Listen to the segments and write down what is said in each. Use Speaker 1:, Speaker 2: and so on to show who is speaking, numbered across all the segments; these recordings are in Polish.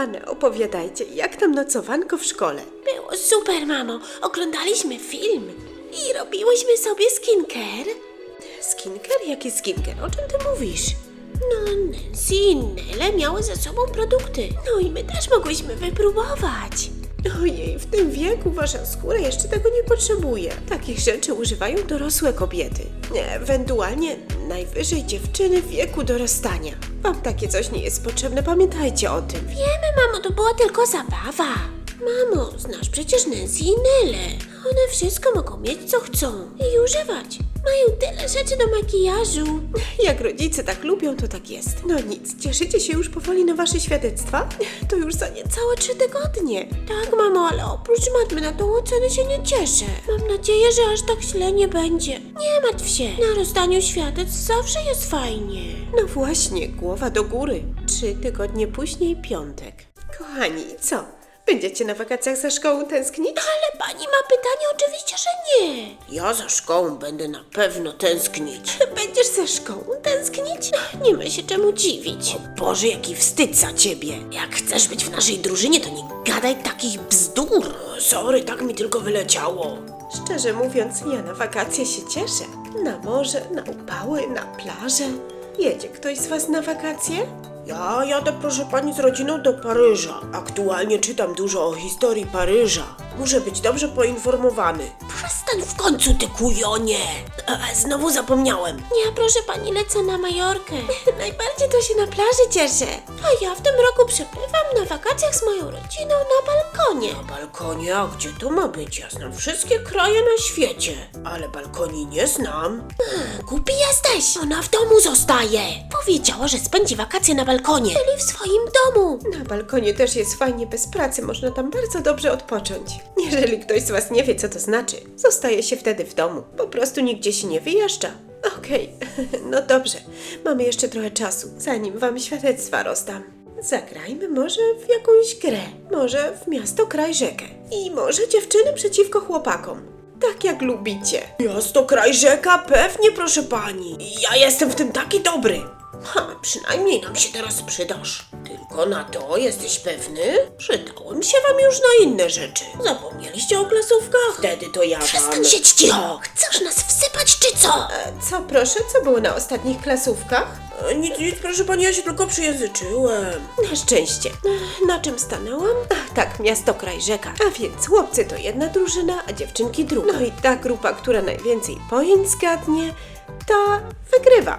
Speaker 1: kochane, opowiadajcie, jak tam nocowanko w szkole?
Speaker 2: Było super, mamo. Oglądaliśmy film i robiłyśmy sobie skincare.
Speaker 1: Skincare? Jaki skincare? O czym ty mówisz?
Speaker 2: No, Nancy i Nele miały ze sobą produkty. No i my też mogłyśmy wypróbować.
Speaker 1: Ojej, w tym wieku wasza skóra jeszcze tego nie potrzebuje. Takich rzeczy używają dorosłe kobiety. Ewentualnie najwyżej dziewczyny w wieku dorastania. Wam takie coś nie jest potrzebne, pamiętajcie o tym.
Speaker 2: Wiemy, mamo, to była tylko zabawa. Mamo, znasz przecież Nancy i Nele. One wszystko mogą mieć, co chcą i używać. Mają tyle rzeczy do makijażu.
Speaker 1: Jak rodzice tak lubią, to tak jest. No nic, cieszycie się już powoli na wasze świadectwa? To już za niecałe 3 tygodnie.
Speaker 2: Tak, mamo, ale oprócz matmy na tą ocenę się nie cieszę. Mam nadzieję, że aż tak źle nie będzie. Nie martw się. Na rozdaniu świadectw zawsze jest fajnie.
Speaker 1: No właśnie, głowa do góry. 3 tygodnie później piątek. Kochani, co? Będziecie na wakacjach za szkołą tęsknić?
Speaker 2: Ale pani ma pytanie? Oczywiście, że nie.
Speaker 3: Ja za szkołą będę na pewno tęsknić.
Speaker 1: Będziesz za szkołą tęsknić?
Speaker 2: Nie ma się czemu dziwić.
Speaker 3: Boże, jaki wstyd za ciebie. Jak chcesz być w naszej drużynie, to nie gadaj takich bzdur. Sorry, tak mi tylko wyleciało.
Speaker 1: Szczerze mówiąc, ja na wakacje się cieszę. Na morze, na upały, na plażę. Jedzie ktoś z was na wakacje?
Speaker 3: Ja jadę, proszę pani, z rodziną do Paryża. Aktualnie czytam dużo o historii Paryża. Muszę być dobrze poinformowany. Przestań w końcu, ty kujonie. Znowu zapomniałem.
Speaker 2: Ja, proszę pani, lecę na Majorkę.
Speaker 1: Najbardziej to się na plaży cieszę.
Speaker 2: A ja w tym roku przebywam na wakacjach z moją rodziną na balkonie.
Speaker 3: Na balkonie? A gdzie to ma być? Ja znam wszystkie kraje na świecie, ale balkoni nie znam.
Speaker 2: Głupi jesteś! Ona w domu zostaje. Powiedziała, że spędzi wakacje na balkonie, czyli w swoim domu.
Speaker 1: Na balkonie też jest fajnie bez pracy, można tam bardzo dobrze odpocząć. Jeżeli ktoś z was nie wie, co to znaczy, zostaje się wtedy w domu. Po prostu nigdzie się nie wyjeżdża. Okej, no dobrze. Mamy jeszcze trochę czasu, zanim wam świadectwa rozdam. Zagrajmy może w jakąś grę. Może w miasto, kraj, rzekę. I może dziewczyny przeciwko chłopakom. Tak jak lubicie.
Speaker 3: Miasto, kraj, rzeka? Pewnie, proszę pani. Ja jestem w tym taki dobry. Przynajmniej nam się teraz przydasz. Tylko na to jesteś pewny? Przydałem się wam już na inne rzeczy. Zapomnieliście o klasówkach? Wtedy to ja wam...
Speaker 2: Przestań siedź cicho! Chcesz nas wsypać, czy co?
Speaker 1: Co proszę, co było na ostatnich klasówkach?
Speaker 3: Nic, proszę pani, ja się tylko przyjęzyczyłem.
Speaker 1: Na szczęście. Na czym stanęłam? Ach tak, miasto, kraj, rzeka. A więc chłopcy to jedna drużyna, a dziewczynki druga. No i ta grupa, która najwięcej pojęć zgadnie, ta wygrywa.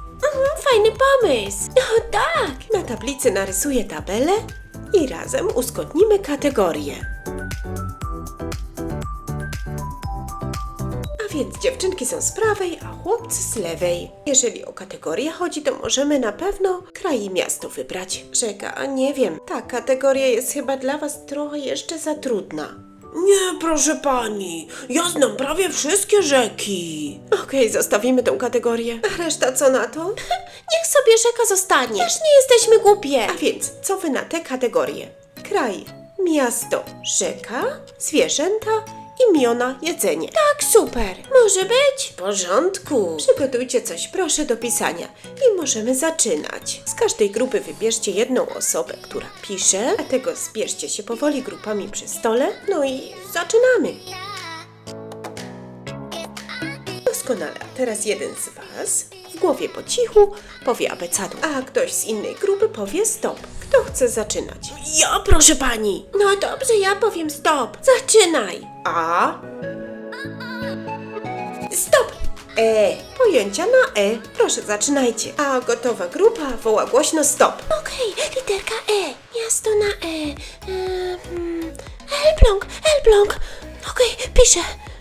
Speaker 2: Fajny pomysł. No tak.
Speaker 1: Na tablicy narysuję tabelę i razem uzgodnimy kategorie. A więc dziewczynki są z prawej, a chłopcy z lewej. Jeżeli o kategorię chodzi, to możemy na pewno kraj i miasto wybrać. Rzeka, a nie wiem, ta kategoria jest chyba dla was trochę jeszcze za trudna.
Speaker 3: Nie, proszę pani, ja znam prawie wszystkie rzeki.
Speaker 1: Okej, zostawimy tą kategorię. A reszta co na to?
Speaker 2: Niech sobie rzeka zostanie. Też nie jesteśmy głupie.
Speaker 1: A więc, co wy na te kategorie? Kraj, miasto, rzeka, zwierzęta, imiona, jedzenie.
Speaker 2: Tak, super. Może być?
Speaker 3: W porządku.
Speaker 1: Przygotujcie coś proszę do pisania i możemy zaczynać. Z każdej grupy wybierzcie jedną osobę, która pisze, a tego zbierzcie się powoli grupami przy stole, no i zaczynamy. Doskonale, a teraz jeden z was w głowie po cichu powie abecadu, a ktoś z innej grupy powie stop. Kto chce zaczynać?
Speaker 3: Ja, proszę pani.
Speaker 2: No dobrze, ja powiem stop. Zaczynaj.
Speaker 1: A. Stop! Pojęcia na E. Proszę, zaczynajcie. A gotowa grupa woła głośno stop.
Speaker 2: Okej, literka E. Miasto na E. Elbląg, Elbląg. Okej, piszę.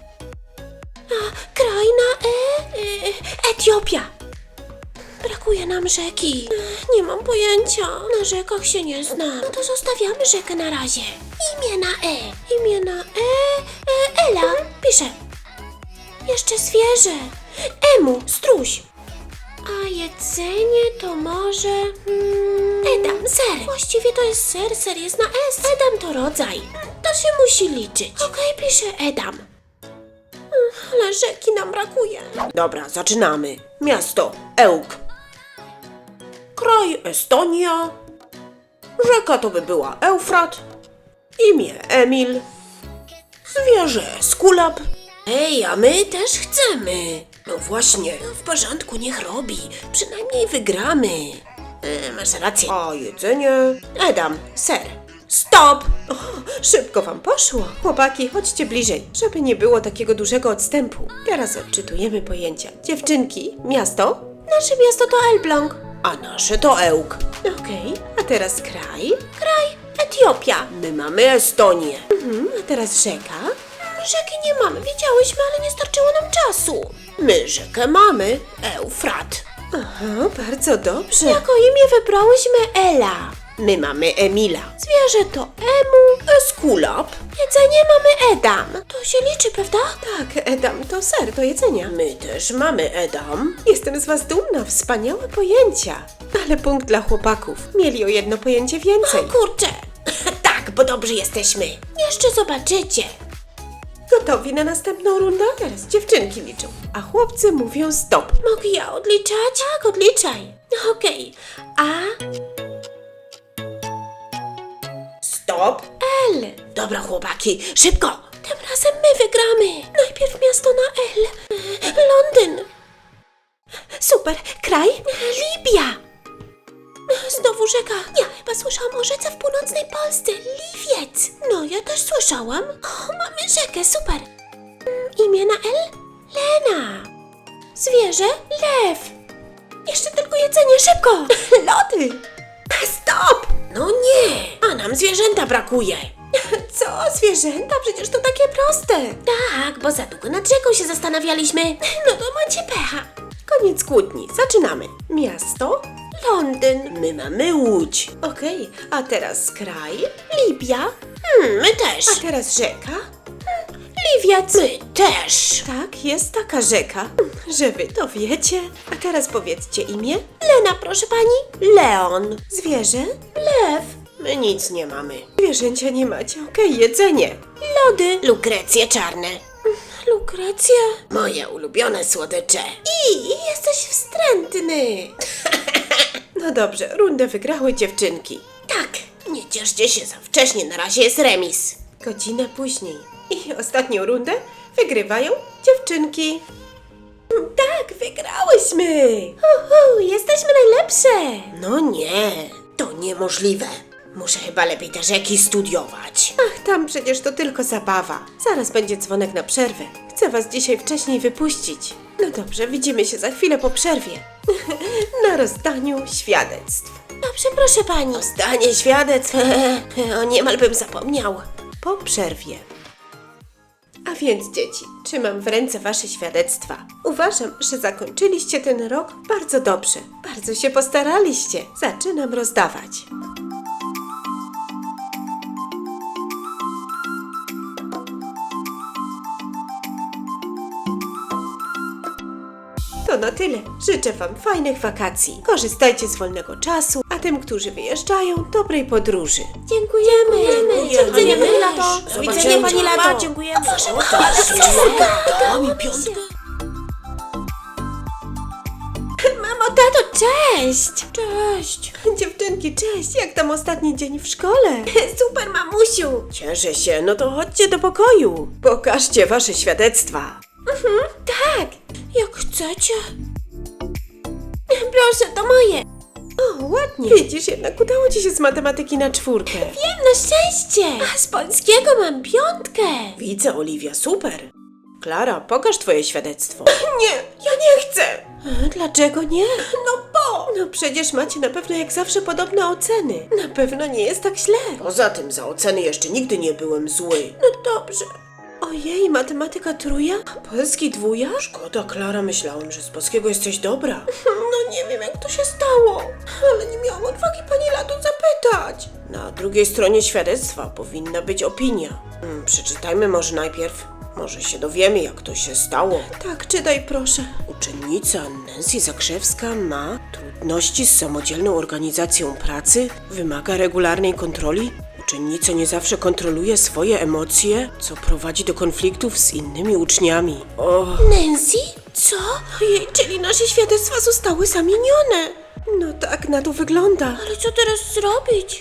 Speaker 2: A kraj na E. Etiopia. Brakuje nam rzeki. Nie mam pojęcia. Na rzekach się nie znam. No to zostawiamy rzekę na razie. Imię na E. Imię na E. Ela. Piszę. Jeszcze zwierzę. Emu, struś. A jedzenie to może... Edam, ser. Właściwie to jest ser, ser jest na S. Edam to rodzaj. To się musi liczyć. Okej, piszę Edam. Ale rzeki nam brakuje.
Speaker 3: Dobra, zaczynamy. Miasto, Ełk. Kraj, Estonia. Rzeka to by była Eufrat, imię Emil, zwierzę Skulap. Ej, a my też chcemy. No właśnie. No w porządku, niech robi. Przynajmniej wygramy. Masz rację. A jedzenie? Edam, ser. Stop!
Speaker 1: O, szybko wam poszło. Chłopaki, chodźcie bliżej, żeby nie było takiego dużego odstępu. Teraz odczytujemy pojęcia. Dziewczynki, miasto?
Speaker 2: Nasze miasto to Elbląg.
Speaker 3: A nasze to Ełk.
Speaker 1: Okej, a teraz kraj?
Speaker 2: Kraj Etiopia.
Speaker 3: My mamy Estonię.
Speaker 1: A teraz rzeka?
Speaker 2: Rzeki nie mamy, wiedziałyśmy, ale nie starczyło nam czasu.
Speaker 3: My rzekę mamy Eufrat.
Speaker 1: Aha, bardzo dobrze.
Speaker 2: Jako imię wybrałyśmy Ela.
Speaker 3: My mamy Emila.
Speaker 2: Zwierzę to Emu.
Speaker 3: Skulap.
Speaker 2: Jedzenie mamy Edam. To się liczy, prawda?
Speaker 1: Tak, Edam to ser do jedzenia.
Speaker 3: My też mamy Edam.
Speaker 1: Jestem z was dumna, wspaniałe pojęcia. Ale punkt dla chłopaków. Mieli o jedno pojęcie więcej.
Speaker 2: Kurczę,
Speaker 3: Tak, bo dobrzy jesteśmy.
Speaker 2: jeszcze zobaczycie.
Speaker 1: Gotowi na następną rundę? Teraz dziewczynki liczą, a chłopcy mówią stop.
Speaker 2: Mogę ja odliczać? Tak, odliczaj. Okej. A,
Speaker 3: Stop.
Speaker 2: L.
Speaker 3: Dobra, chłopaki, szybko.
Speaker 2: Tym razem my wygramy. Najpierw miasto na L. Londyn.
Speaker 1: Super, kraj?
Speaker 2: Libia. Znowu rzeka. Ja chyba słyszałam o rzece w północnej Polsce. Liwiec. No, ja też słyszałam. O, mamy rzekę, super. Imię na L? Lena. Zwierzę? Lew. Jeszcze tylko jedzenie, szybko.
Speaker 1: Lody.
Speaker 3: Stop. No nie, a nam zwierzęta brakuje.
Speaker 1: Co? Zwierzęta? Przecież to takie proste.
Speaker 2: Tak, bo za długo nad rzeką się zastanawialiśmy. No to macie pecha.
Speaker 1: Koniec kłótni, zaczynamy. Miasto?
Speaker 2: Londyn.
Speaker 3: My mamy Łódź.
Speaker 1: Okej, a teraz kraj?
Speaker 2: Libia.
Speaker 3: My też.
Speaker 1: A teraz rzeka?
Speaker 2: Liwiec.
Speaker 3: My też.
Speaker 1: Tak, jest taka rzeka, że wy to wiecie. A teraz powiedzcie imię?
Speaker 2: Lena, proszę pani.
Speaker 3: Leon.
Speaker 1: Zwierzę?
Speaker 2: Lew.
Speaker 3: My nic nie mamy.
Speaker 1: Zwierzęcia nie macie, okej, jedzenie.
Speaker 2: Lody.
Speaker 3: Lukrecje czarne.
Speaker 2: Lukrecja.
Speaker 3: Moje ulubione słodycze.
Speaker 2: I jesteś wstrętny.
Speaker 1: No dobrze, rundę wygrały dziewczynki.
Speaker 3: Tak, nie cieszcie się za wcześnie, na razie jest remis.
Speaker 1: Godzinę później. I ostatnią rundę wygrywają dziewczynki. Tak, wygrałyśmy!
Speaker 2: Jesteśmy najlepsze.
Speaker 3: No nie, to niemożliwe. Muszę chyba lepiej te rzeki studiować.
Speaker 1: Ach, tam przecież to tylko zabawa. Zaraz będzie dzwonek na przerwę. Chcę was dzisiaj wcześniej wypuścić. No dobrze, widzimy się za chwilę po przerwie. Na rozdaniu świadectw.
Speaker 2: Dobrze, proszę pani.
Speaker 3: Zdanie świadectw, o niemal bym zapomniał.
Speaker 1: Po przerwie. A więc dzieci, trzymam w ręce wasze świadectwa. Uważam, że zakończyliście ten rok bardzo dobrze. Bardzo się postaraliście. Zaczynam rozdawać. To na tyle. Życzę wam fajnych wakacji. Korzystajcie z wolnego czasu, a tym, którzy wyjeżdżają, dobrej podróży.
Speaker 2: Dziękujemy. Do widzenia, pani Lato. Do
Speaker 3: Zobaczenia,
Speaker 2: widzenia, pani
Speaker 3: mama.
Speaker 2: Lato.
Speaker 3: Dziękujemy.
Speaker 2: O Boże,
Speaker 3: O,
Speaker 2: ale skrzynka.
Speaker 3: dała mi piątkę.
Speaker 2: Mamo, tato, cześć. Cześć.
Speaker 1: Dziewczynki, cześć! Jak tam ostatni dzień w szkole?
Speaker 2: Super, mamusiu.
Speaker 3: Cieszę się, no to chodźcie do pokoju.
Speaker 1: Pokażcie wasze świadectwa.
Speaker 2: Tak, jak chcecie. Proszę, to moje.
Speaker 1: O, ładnie. Widzisz, jednak udało ci się z matematyki na 4.
Speaker 2: Wiem, na szczęście. A z polskiego mam 5.
Speaker 3: Widzę, Oliwia, super. Klara, pokaż twoje świadectwo.
Speaker 1: Nie, ja nie chcę. Dlaczego nie? No bo. No przecież macie na pewno jak zawsze podobne oceny. Na pewno nie jest tak źle.
Speaker 3: Poza tym za oceny jeszcze nigdy nie byłem zły.
Speaker 1: No dobrze. Ojej, matematyka 3? A polski 2?
Speaker 3: Szkoda, Klara, myślałem, że z polskiego jesteś dobra.
Speaker 1: No nie wiem jak to się stało. Ale nie miałam odwagi pani Lato zapytać.
Speaker 3: Na drugiej stronie świadectwa powinna być opinia. Przeczytajmy może najpierw. Może się dowiemy, jak to się stało.
Speaker 1: Tak, czytaj proszę.
Speaker 3: Uczennica Nancy Zakrzewska ma trudności z samodzielną organizacją pracy, wymaga regularnej kontroli. Uczennica nie zawsze kontroluje swoje emocje, co prowadzi do konfliktów z innymi uczniami. O,
Speaker 2: Nancy? Co?
Speaker 1: Ojej, czyli nasze świadectwa zostały zamienione. No tak, na to wygląda.
Speaker 2: Ale co teraz zrobić?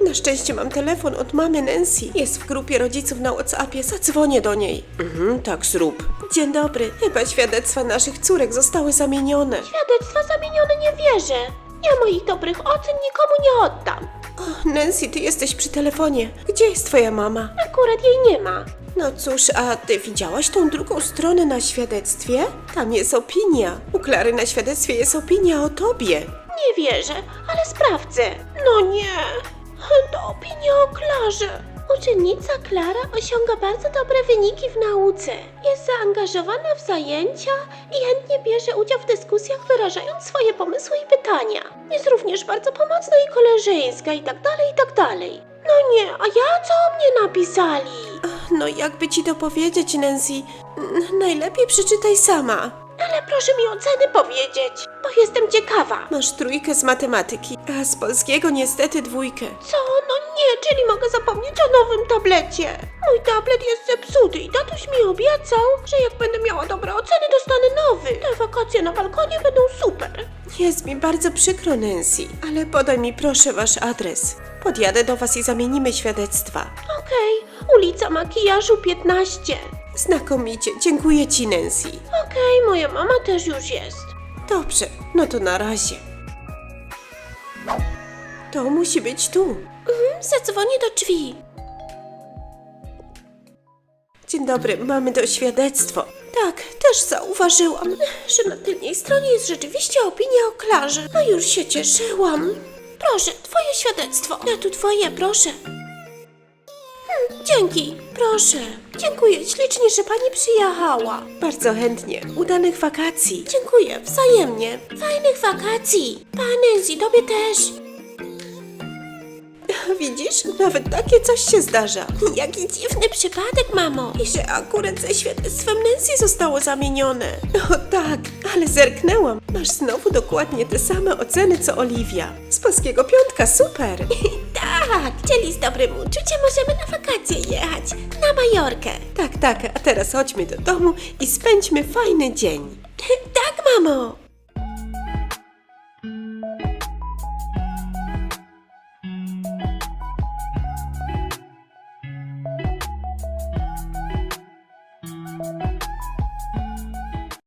Speaker 1: Na szczęście mam telefon od mamy Nancy. Jest w grupie rodziców na WhatsAppie, zadzwonię do niej.
Speaker 3: Tak zrób.
Speaker 1: Dzień dobry. Chyba świadectwa naszych córek zostały zamienione.
Speaker 2: Świadectwa zamienione nie wierzę. Ja moich dobrych ocen nikomu nie oddam.
Speaker 1: O, Nancy, ty jesteś przy telefonie. Gdzie jest twoja mama?
Speaker 2: Akurat jej nie ma.
Speaker 1: No cóż, a ty widziałaś tą drugą stronę na świadectwie? Tam jest opinia. U Klary na świadectwie jest opinia o tobie.
Speaker 2: Nie wierzę, ale sprawdzę. No nie. To opinia o Klarze. Uczennica Klara osiąga bardzo dobre wyniki w nauce. Jest zaangażowana w zajęcia i chętnie bierze udział w dyskusjach, wyrażając swoje pomysły i pytania. Jest również bardzo pomocna i koleżeńska i tak dalej, i tak dalej. No nie, a ja co o mnie napisali?
Speaker 1: No jakby ci to powiedzieć, Nancy? Najlepiej przeczytaj sama.
Speaker 2: Ale proszę mi oceny powiedzieć, bo jestem ciekawa.
Speaker 1: Masz 3 z matematyki, a z polskiego niestety 2.
Speaker 2: Co? No nie, czyli mogę zapomnieć o nowym tablecie. Mój tablet jest zepsuty i tatuś mi obiecał, że jak będę miała dobre oceny, dostanę nowy. Te wakacje na balkonie będą super.
Speaker 1: Jest mi bardzo przykro, Nancy, ale podaj mi proszę wasz adres. Podjadę do was i zamienimy świadectwa.
Speaker 2: Okej, ulica Makijażu 15.
Speaker 1: Znakomicie, dziękuję ci, Nancy.
Speaker 2: Okej, moja mama też już jest.
Speaker 1: Dobrze, no to na razie. To musi być tu.
Speaker 2: Zadzwonię do drzwi.
Speaker 1: Dzień dobry, mamy to świadectwo. Tak, też zauważyłam, że na tylnej stronie jest rzeczywiście opinia o Klarze. No już się cieszyłam.
Speaker 2: Proszę, twoje świadectwo. Ja tu twoje, proszę. Dzięki, proszę. Dziękuję ślicznie, że pani przyjechała.
Speaker 1: Bardzo chętnie. Udanych wakacji.
Speaker 2: Dziękuję, wzajemnie. Fajnych wakacji. Nancy, tobie też.
Speaker 1: Widzisz? Nawet takie coś się zdarza.
Speaker 2: Jaki dziwny przypadek, mamo.
Speaker 1: I że akurat ze świadectwem Nancy zostało zamienione. O tak, ale zerknęłam. Masz znowu dokładnie te same oceny co Oliwia. Z polskiego 5, super.
Speaker 2: Tak, czyli z dobrym uczuciem możemy na wakacje jechać. Na Majorkę.
Speaker 1: Tak, a teraz chodźmy do domu i spędźmy fajny dzień.
Speaker 2: Tak, mamo.